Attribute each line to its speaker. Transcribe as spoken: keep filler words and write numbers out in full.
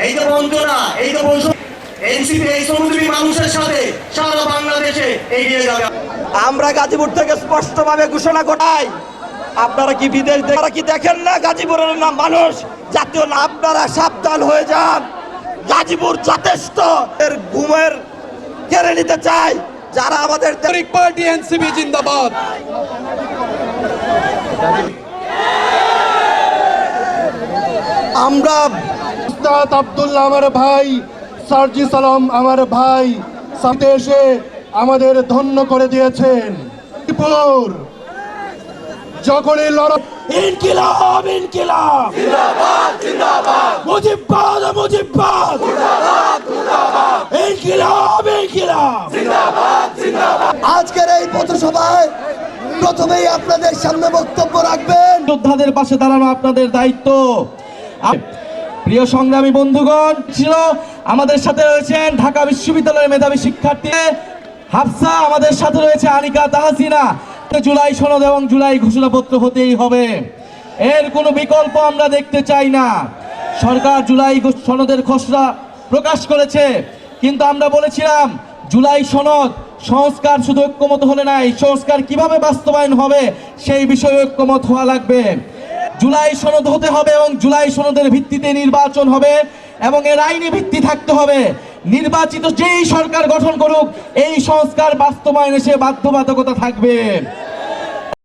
Speaker 1: এই যে বঞ্চনা, এই যে এনসিপি এই শ্রমজীবী মানুষের সাথে সারা বাংলাদেশে এগিয়ে যাবে।
Speaker 2: আমরা গাজীপুর থেকে স্পষ্টভাবে ঘোষণা করাই, আপনারা কি বিদেশ আপনারা কি দেখেন না গাজীপুরের নাম মানুষ জাতীয় না? আপনারা সাবধান হয়ে যান। গাজীপুর যথেষ্ট এর ঘুমের কেড়ে নিতে চাই যারা আমাদের
Speaker 3: পার্টি এনসিপি জিন্দাবাদ।
Speaker 2: আমরা
Speaker 4: উস্তাদ আব্দুল্লাহ আমার ভাই, সার্জি সালাম আমার ভাই সাথে এসে আমাদের ধন্য করে দিয়েছেন। যখনই লড়াই
Speaker 2: ইনকিলাব ইনকিলাব
Speaker 1: জিন্দাবাদ জিন্দাবাদ,
Speaker 2: মুজিববাদ মুজিববাদ
Speaker 1: মুর্দাবাদ মুর্দাবাদ,
Speaker 2: ইনকিলাব ইনকিলাব
Speaker 1: জিন্দাবাদ জিন্দাবাদ।
Speaker 2: আজকের এই পথসভায় প্রথমেই আপনাদের সামনে বক্তব্য রাখবেন
Speaker 3: যোদ্ধাদের পাশে দাঁড়ানো আপনাদের দায়িত্ব। প্রিয় সংগ্রামী বন্ধুগণ, ছিল আমাদের সাথে রয়েছেন ঢাকা বিশ্ববিদ্যালয়ের মেধাবী শিক্ষার্থী হাফসা, আমাদের সাথে রয়েছে আনিকা তাহসিনা। জুলাই সনদ এবং জুলাই ঘোষণাপত্র হতেই হবে, এর কোনো বিকল্প আমরা দেখতে চাই না। সরকার জুলাই সনদের খসড়া প্রকাশ করেছে, কিন্তু আমরা বলেছিলাম জুলাই সনদ সংস্কার শুধু ঐক্যমত হলে নাই, সংস্কার কিভাবে বাস্তবায়ন হবে সেই বিষয়ে ঐক্যমত হওয়া লাগবে। জুলাই সনদ হতে হবে এবং জুলাই সনদের ভিত্তিতে নির্বাচন হবে এবং এর আইনি ভিত্তি থাকতে হবে। নির্বাচিত যেই সরকার গঠন করুক এই সংস্কার বাস্তবায়নে সে বাধ্যবাধকতা থাকবে।